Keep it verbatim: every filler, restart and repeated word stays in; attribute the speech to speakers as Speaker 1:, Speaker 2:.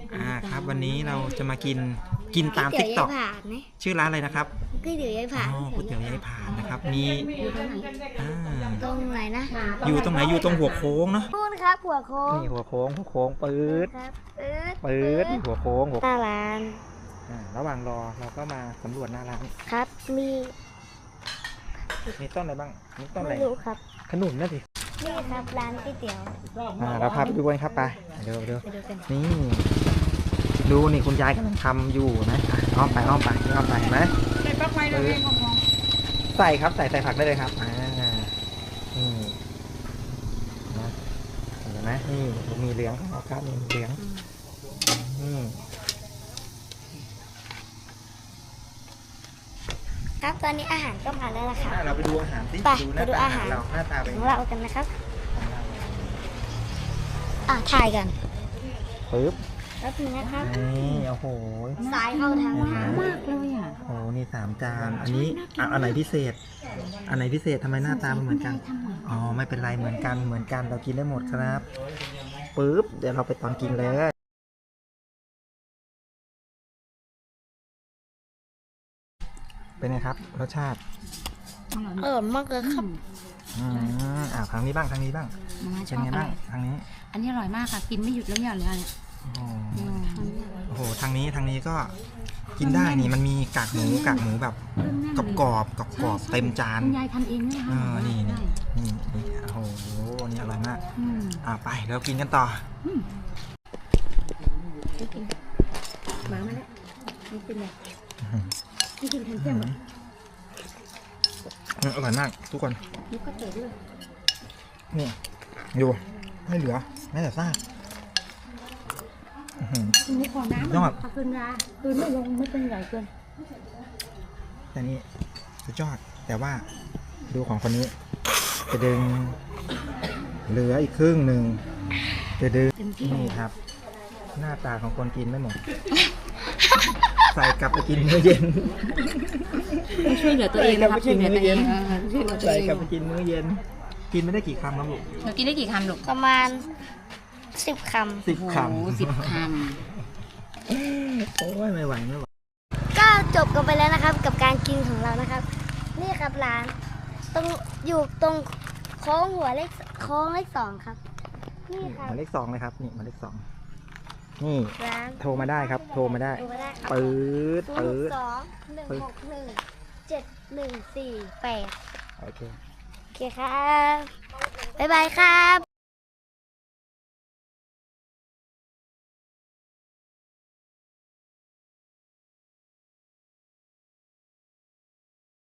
Speaker 1: อ่าครับวันนี้เราจะมากินกินตามติ๊กต็อกชื่อร้านอะไรนะครับ
Speaker 2: ก๋วยเตี๋ยวยายผ่าน
Speaker 1: อ๋อก๋วยเตี๋ยวยายผ่านนะครับมีอ่า
Speaker 2: ตรงไหนนะ
Speaker 1: อยู่ตรงไหนอยู่ตรงหัวโค้งเนาะ
Speaker 2: นู่นครับหัวโค้ง
Speaker 1: นี่หัวโค้งหัวโค้งปื๊ด
Speaker 2: ครับ
Speaker 1: ปื๊ดหัวโค้งหัว
Speaker 2: หน้าร้าน
Speaker 1: อ่าระหว่างรอเราก็มาสำรวจหน้าร้าน
Speaker 2: ครับมี
Speaker 1: มีต้นอะไรบ้างมีต้นอะไร
Speaker 2: ไม่รู้ครับ
Speaker 1: ขนุนนั่นสิ
Speaker 2: นี่ครับร้านก๋วยเตี๋ยว
Speaker 1: อ่าเราพาไปดูกันครับไปเดี๋ยวเดี๋ยวนี่ดูนี่คุณยายกำลังทำอยู่นะอ้อมไปอ้อมไปอ้อมไปเห็นไหมใส่ผักไว้เลยใส่ครับใส่ใส่ผักได้เลยครับอ่านี่นะเห็นไหมนี่มีเหลืองครับมีเหลืองอืม
Speaker 2: ครับตอนนี้อาหารก็มาแล้วนะครับ
Speaker 1: เราไปดูอาหารสิ
Speaker 2: ไป
Speaker 1: ดูหน้าตาเราหน้าตาเป็น
Speaker 2: ของเรากันนะครับอ่ะถ่ายกัน
Speaker 1: ปึ๊บ
Speaker 2: แล้วทีนี้ครับ
Speaker 1: นี่โอ้โห
Speaker 2: สายเข้าทางมากเลยอ่ะ
Speaker 1: โอ้นี่สามจานอันนี้อันไหนพิเศษอันไหนพิเศษทำไมหน้าตามันเหมือนกันอ๋อไม่เป็นไรเหมือนกันเหมือนกันเรากินได้หมดครับปึ๊บเดี๋ยวเราไปตอนกินเลยเป็นไงครับรสชาติ
Speaker 2: อร่อยมากเลยครับ
Speaker 1: อืมอ่าทางนี้บ้างทางนี้บ้างเป็นไงบ้างทางนี้
Speaker 3: อันนี้อร่อยมากค่ะกินไม่หยุดแล้วหย่อนเลยเนี่ย
Speaker 1: โอ้โหทางนี้ทางนี้ก็กินได้นี่มันมีกากหมูกากหมูแบบกรอบกรอบกรอบกรอบเต็มจาน
Speaker 3: คุณยายทำเองเลยค่ะ
Speaker 1: นี่นี่นี่นี่โอ้โหนี่อร่อยมากอ่าไปเรากินกันต่อ
Speaker 3: มามาแล้วนี่เป็นไงนี่กินทันเจ้า
Speaker 1: อร่อยมากทุกคน
Speaker 3: นี่ก็เจ๋อด้วย
Speaker 1: นี่ดูไม่เหลือแม้แต่ซาก
Speaker 3: นี่ขอน้ำยอดขอบคุณยาคือไม่ลงไม่เป็นใหญ่เกิน
Speaker 1: แต่นี่สุดยอดแต่ว่าดูของคนนี้จะดึงเหลืออีกครึ่งหนึ่งจะดึงนี่ครับหน้าตาของคนกินไม่หมดใส่กลับไปกินมื้อเย็น
Speaker 3: ไม่ช่วยเหลือตัวเองนะครับช่วยเหลือตัวเอง
Speaker 1: ใส่กลับไปกินมื้อเย็นกินไม่ได้กี่คำครับลูก
Speaker 3: เรากินได้กี่คำลูก
Speaker 2: ประมาณสิบคำ
Speaker 1: สิบคำ
Speaker 3: สิบค
Speaker 1: ำโอ้ยไม่ไหวไม่ไหว
Speaker 2: ก็จบกันไปแล้วนะครับกับการกินของเรานะครับนี่ครับร้านตรงอยู่ตรงโค้งหัวเลขโค้งเลขสองครับนี่ครับ
Speaker 1: หมายเลขสองเลยครับนี่หมายเลขสองนี่
Speaker 2: ร้าน
Speaker 1: โทรมาได้ครับโทรมาได้ปื๊ดปื๊ด
Speaker 2: สองหนึ่งหกหนึ่งเจ็ดหนึ่งสี่แปด
Speaker 1: โอเค
Speaker 2: โอเคครับบ๊ายบายครับ